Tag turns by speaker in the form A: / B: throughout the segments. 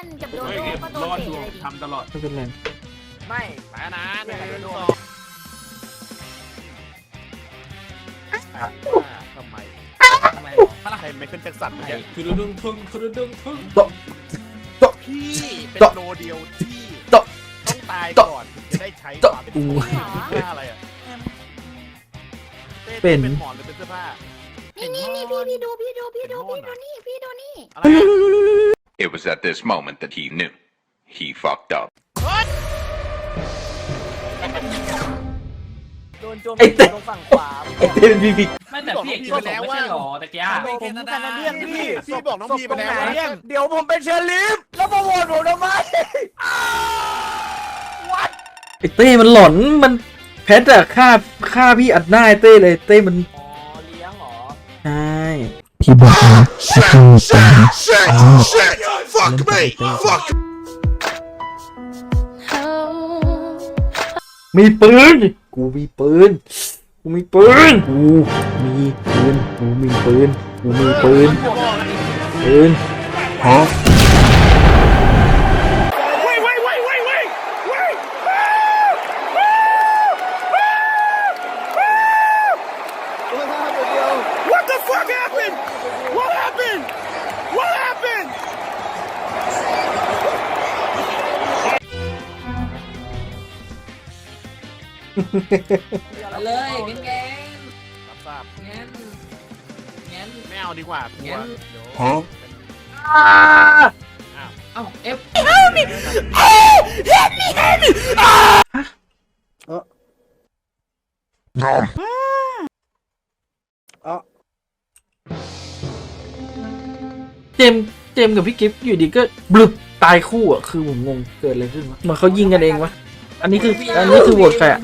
A: กับโดโดก็โด
B: ร
A: น
B: อด
A: เตะ
B: ดู
A: เลยดิ
B: ทำตลอด
C: ไม่เป็นไร
D: ไม่ไปนะหนึ่งสองทำไมใครไม่ขึ้นแจ็คสันเนี่ย
B: คือดุ้งทุ่งคือดุ้งทุ่ง
D: พี่เป็นโลเดียวที่
C: โต๊ะ
D: ต้องตายก่อนถึงจะได้ใช้ความเป็น
C: อู้
D: เสื้อผ้าอะไรอ่ะเต้
C: เป็น
D: เป็นหมอนหรือเป็นเสื้อผ้า
A: นี่พี่ดูนี่
D: อะไรอะ
E: It was at this moment that he knew. He fucked up.
D: โดนโจม
C: ไอ้
D: ตี
C: เต้
D: ตรงฝั่งขวา
C: ไอ้เต้เป็นพี่บิ๊ก
B: ไม่แต่พี่เอกกินไปแล้วไม่ใช่หรอตะกี้
D: ผมแคนาเดียนพี่บอกน้องพีไปแล้ว
F: เดี๋ยวผมเป็นเชอร์ลิฟแล้วมาโหวตผมทำไม
C: ไอ้เต้มันหลอนมันแพทอะฆ่าพี่อัดหน้าไอ้เต้เลยเต้มัน
D: อ๋อเลี้ยงเหรอ
C: ใช่
G: ที่บอกนะคือเป็น
E: Fuck me! Fuck!
C: มีปืนกูมีปืนกูมีปืนกูมีปืนกูมีปืนกูมีปืนปืนฮะ
D: What the fuck happened? What happened? What happened?
B: ไปเลยงั้นแง
D: รับทราบ
B: งั้น
D: ไม่เอาดีกว่ากลัว
B: งั้น
D: เดี๋ยว
E: ฮะ
B: เอ้าเอฟ
C: เจมส์กับพี่กิฟต์อยู่ดีก็บลึบตายคู่อ่ะคือผมงงเกิดอะไรขึ้นวะเหมือนเขายิงกันเองวะอันนี้คือโหวตใครอะ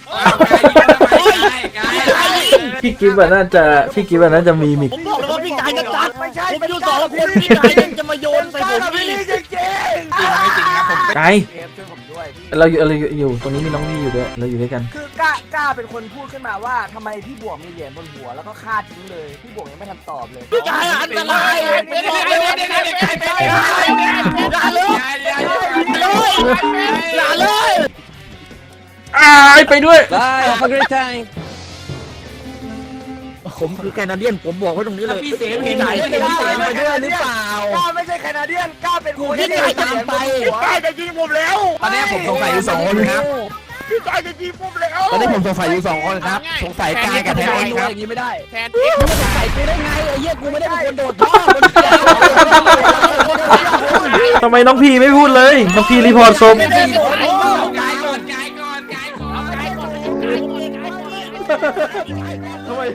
C: พี่กิฟต์อะน่าจะมีมิก
F: ผมบอกเลยว่าพี่กายจะจัดไม่ใช่ผมอยู่สองคนพี่กายยังจะมาโยนใส่ผมพี่จริง
B: ไม่จริงครับผม
C: ไกล
D: เอฟช่วยผมด้วยพี่
C: เราอยู่ตรงนี้มีน้องพี่อยู่ด้วยเราอยู่ด้วยกัน
F: คือกล้าเป็นคนพูดขึ้นมาว่าทำไมพี่บวกมีเหรียญบนหัวแล้วก็ฆ่าทิ้งเลยพี่บวกยังไม่ทันตอบเลยพี่กายอันตรายไม่บอกเลยว่าพี่กายอย่าเลยอย่าเลย
C: ไปด้วย
F: ผมคือแคนาเดียนผมบอกไว้ตรงนี้เลย
B: พี่เสมเห็น
F: ไหน
B: ไหม
F: เป็นเสมไปด้วยหรือเปล่ากล้าไม่ใช่แคนาเดียนกล้าเป็นคนที่ตามไปพี่กายจะยิงผมแล้ว
G: ตอนนี้ผมสงสัยอยู่2 คนครับ
F: พี่กายจะยิงผมแล้ว
G: ตอนนี้ผมสงสัยอยู่2 คนครับ สงสัยกายกับแทนเองครับ
F: อย่างนี้ไม่ได้
D: แทนเอฟ
F: สงสัยกูได้ไงไอ้เหี้ยกูไม่ได้เป็นคนโดดท่อ
C: ทำไมน้องพีไม่พูดเลยน้องพีรีพอร์ตศพ
B: กายก่อน
C: ทำไม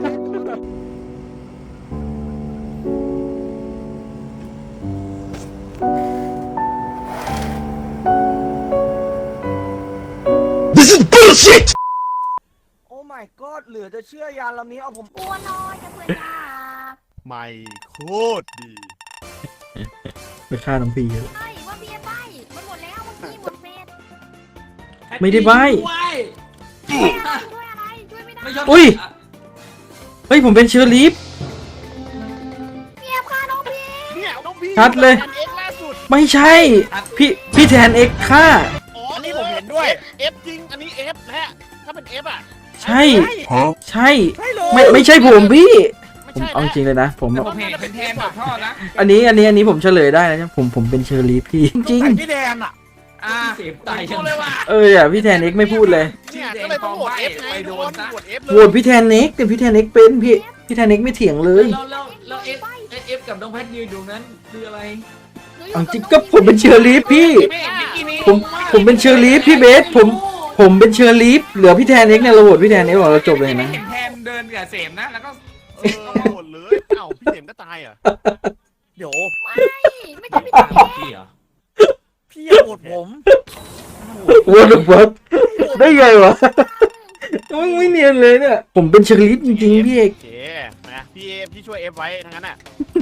F: โอ้ my god เหลือจะเชื่อยานลำนี้เอาผม
A: กลัวน้อยกับเพื่อนยา
D: ไม่โคตรดี
C: ไปฆ่าน้องพีเยอะ
A: ใช่ว่าเบียร์ใบมันหมดแล้วเมื่อกี้หมดเฟส
C: ไม่ได้ใบ้
A: ช่วยอะไรช่วยไม่ได้
C: อุ้ยเฮ้ยผมเป็นเชอร์ลีฟ
A: เบียร์ฆ่าน้องพี่
D: เนี่ยน้องพี่
C: ชัดเลย
D: แทนเอฟล่าสุด
C: ไม่ใช่พี่แทนเอ็กฆ่า
D: อ๋ออันนี้ผมเห็นด้วยเอฟจริงอันนี้เอฟและถ้าเป็นเอฟอ่ะ
C: ใช่ ใช่
F: ใช่เลย
C: ไม่ใช่ผมพี่
D: ไม่
C: ผม
D: ใช่
C: เอาจริงเลยนะผม
B: ผมเห็นเป็นแทนกับท่อนะ
C: อันนี้ผมเฉลยได้นะผมเป็นเชอร์ลีฟพี่จริง
F: พี่แดนอ่ะ
B: เสพตายจังเลยว่ะ
C: พี่แทนเอ็กไม่พูดเลย
D: เนี่ยก็เลยต้องโหวตเอฟไง
B: ไปโด
D: โด
B: น
D: น
B: ซะ
D: โหวตเอฟเล
C: โหวย ตพี่แทนเอ็กแต่พี่แทนเอ็กเป็นพี่แทนเอ็กไม่เถียงเลย
B: แล้วเอฟกับน้องแพทยืนอยู่นั้นคืออะไร
C: เอาจริงก็ผมเป็นเชอร์ลีฟพี่ ผมเป็นเชอร์ลีฟพี่เบสผมเป็นเชอร์ลีฟเหลือพี่แทนเอ็กเนี่ยเราโหวตพี่แทนเอ็กบอกเราจบเลยนะ
B: เห็นแทนเดินกับเสมนะแล้วก็
D: โหวตเลยเอ้าพี่เข็มก็ตายเหรอ
F: เดี๋ยว
A: ไม่จะไม่ได้
B: พี่เหรอ
F: พี่อย่าโหวตผม
C: What the fuck ได้ไงวะไม่เนียนเลยเนี่ยผมเป็นเชอร์ลีฟจริงๆพี่เอก
D: โอเคนะพี่เอฟพี่ช่วยเอฟไว้ทั้งนั้นอ่ะ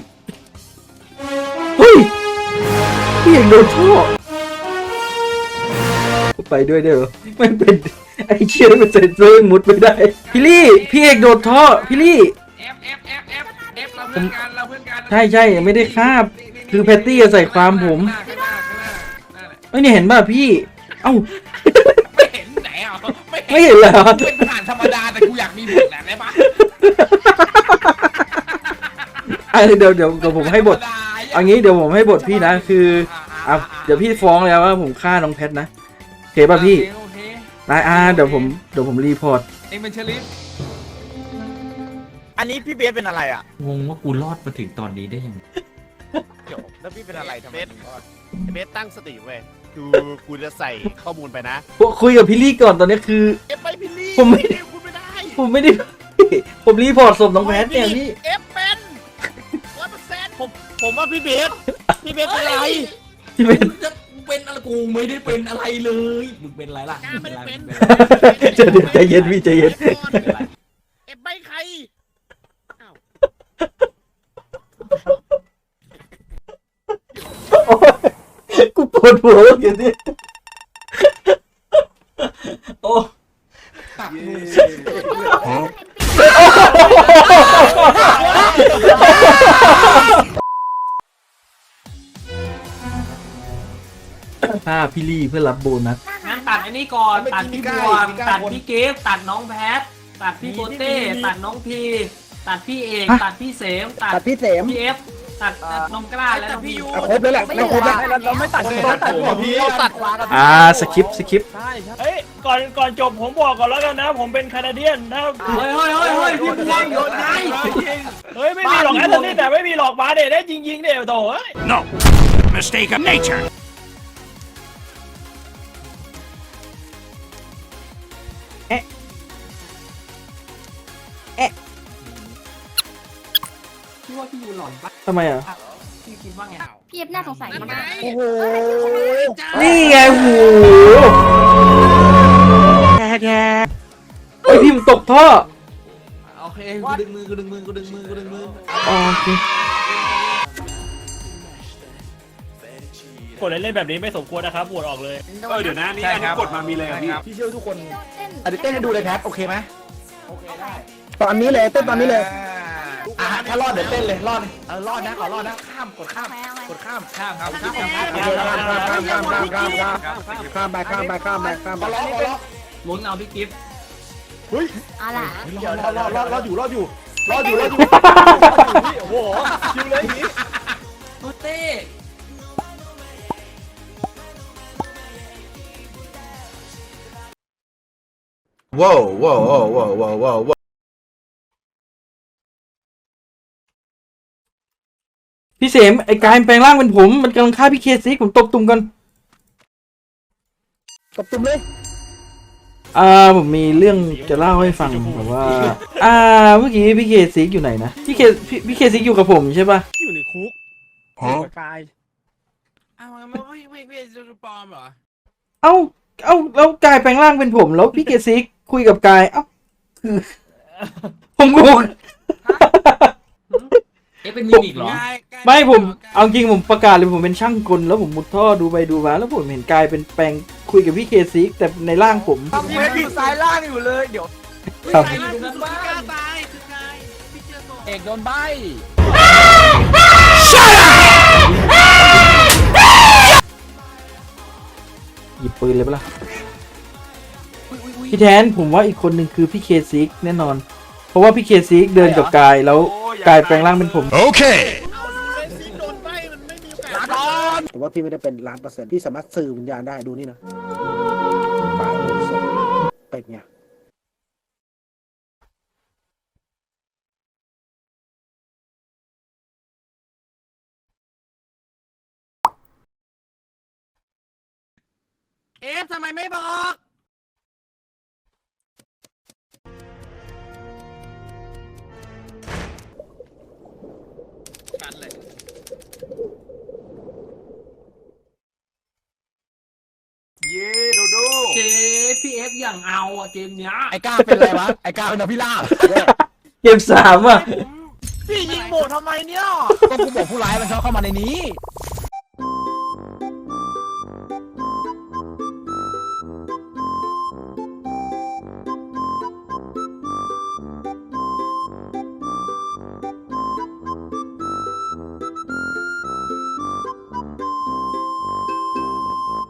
C: เฮ้ยพี่เอกโดนท่อไปด้วยได้เหรอไม่เป็นไอ้เชี่ยมันเซ็นเซอร์มุดไม่ได้พี่เอกโดนท่อพี่ลี่
B: เอฟเราเพื่อนกัน
C: ใช่ไม่ได้คาบคือแพตตี้ใส่ความผม
B: ข้างหน้า
C: เอ้ยเนี่ยเห็นป่ะพี่เอ้า
G: ไม่เห็นไหนอ่ะไม่
C: ไม่เห็นเหรอ
G: เป็นผ่านธรรมดาแต่กูอยากมีบทแหละได้ปะ
C: เดี๋ยวผมให้บทเอางี้เดี๋ยวผมให้บทพี่นะคืออ่ะเดี๋ยวพี่ฟ้องแล้วว่าผมฆ่าน้องแพทนะโอเคป่ะพี่
G: โอเค
C: ได้เดี๋ยวผมรีพอร์ต
G: เองเป็นเชลิฟ
F: อันนี้พี่เบสเป็นอะไรอ่ะ
B: งงว่ากูรอดมาถึงตอนนี้ได้ยังไง
F: เดี๋ยวแล้วพี่เป็นอะไรทำไมถึงรอด
D: เบสตั้งสติเว้ยคือกูจะใส่ข้อมูลไปนะ
C: คุยกับพี่ลี่ก่อนตอนนี้คือ
D: เอฟไปพี่ลี่
C: ผมไม่
D: คุณไม่ได้
C: ผมไม่ได้ ผมรีพอร์ตศพน้องแพทเนี่ยพี่
D: เอฟเป็น100%ผมว่าพี่เบสเป็นอะไร
C: พี่เป็น
B: มึงเป็นอะไรกูไม่ได้เป็นอะไรเลยมึงเป็นอะไรล่ะ
D: กล้าไม่ได้เป็น
C: ใจเย็นพี่ใจเย็น
D: เอฟไปใคร
C: โอ๊ยกูปวดหัวแล้วเดี๋ยวนี้โอ้
G: ตักมือ
C: ฆ่าพี่ลี่เพื่อรับโบนัส
B: งั้นตัดไอ้นี่ก่อนตัดพี่บวงตัดพี่เกฟตัดน้องแพทตัดพี่โปเต้ตัดน้องพีตัดพี่เอกตัดพี่เสมตัด
F: พี่เสม
B: พี่เอฟตัดน้องกล้าและน้องพี่ยู
F: ครบแล้วแหละเราครบแล้วเราไม่ตัดพี่เราตัด
C: สคริปต์
F: ใช่ใช่
H: เฮ้ยก่อนจบผมบอกก่อนแล้วกันนะ ผมเป็นแคนาเดียนนะ
B: เฮ้ยพี่บวงหยุดไง
H: เฮ้ยไม่มีหรอกแอตเลติกแต่ไม่มีหรอกมาเด็ดได้จริงๆเดี๋ยวโถ่เฮ้ย
D: No mistake of nature
B: พี่ว่าพี่ยูหลอนปะ
C: ทำไมอ่ะ
B: พี่คิดว่าไง
A: พี่เอฟน่าสงสัยมาก
F: โอ้โห
C: นี่ไงหูเฮ้ยพี่มันตกท่อ
B: โอเคกูดึงมือ
C: โอเค
H: กดเล่นๆแบบนี้ไม่สมควรนะครับโหวตออกเลย
D: เดี๋ยวนะนี่อันนี้กดมามีเลยพี่
F: พี่เชื่อทุกคน
A: เต้น
F: อันนี้เต้นให้ดูเลยแพทโอเคไหม
I: ตอนนี้เลยเต้นตอนนี้เลย
F: ถ้ารอดเดี๋ยวเต้นเลยรอดรอดนะขอรอดนะข้ามกดข้าม
A: เอาไว้
F: กดข้าม
G: ข้ามครับ
F: ข้าม
I: ข้ามไปข้ามไปข้ามไปข้ามไป
F: ขอร้องขอร้อง
B: ลุ้นเอาพี่กิฟต์
A: เอาล่ะ
F: รอดอยู่โอ้โหคิวเลยอย่างนี้
B: โปเต้
I: ว้าวว้าวว้าวว้าวว้าวว้าว
C: พี่เสมไอ้กายมันแปลงร่างเป็นผม มันกำลังฆ่าพี่เคซิกผมตบตุ่มกัน
I: ตบตุ่มเลย
C: ผมมีเรื่องจะเล่าให้ฟังแบบว่า เมื่อกี้พี่เคซิกอยู่ไหนนะพี่เคซิกอยู่กับผมใช่ป่ะ
D: อยู่ในคุก
F: กาย
G: อ้าวไม่จะปลอมเหรอ
C: เอ้าแล้วกายแปลงร่างเป็นผม แล้วพี่เคซิกคุยกับกาย เอ้าคือ ผมงง
B: เอ๊ะเป็นมิมิกเหรอ
C: ไม่ผมเอาจริงผมประกาศเลยผมเป็นช่างกลแล้วผมมุดท่อดูไปดูมาแล้วผมเห็นกายเป็นแปลงคุยกับพี่เคซิกแต่ในร่างผม
F: ทำเพชรอยู่ซ้ายล่างอยู่เลยเดี๋ยว
C: ครับ
G: ใครอยู่ตรงนั้นบ้างกล้าตายคือใครพี่เจอตัว
F: เอกโดนใบ
C: หยิบปืนเลยปะล่ะพี่แทนผมว่าอีกคนหนึ่งคือพี่เคซิกแน่นอน เพราะว่าพี่เคซิกเดินกับกายแล้วกายแปลงร่างเป็นผม
D: Okay
I: แต่ว่าพี่ไม่ได้เป็น1,000,000%พี่สามารถสื่อวิญญาณได้ดูนี่นะตายศพเป็นไง
G: เอฟทำไมไม่บอก
D: เย้โดโด
B: เจ๊พี่เอฟอย่างเอาอะเกมเนี้ย
F: ไอ้ก้าเป็นอะไรวะไอ้ก้าเป็นอภิราบ
C: เกม3อ่ะ
F: พี่ยิงโบทำไมเนี่ยก็กูบอกผู้ร้ายมันชอบเข้ามาในนี้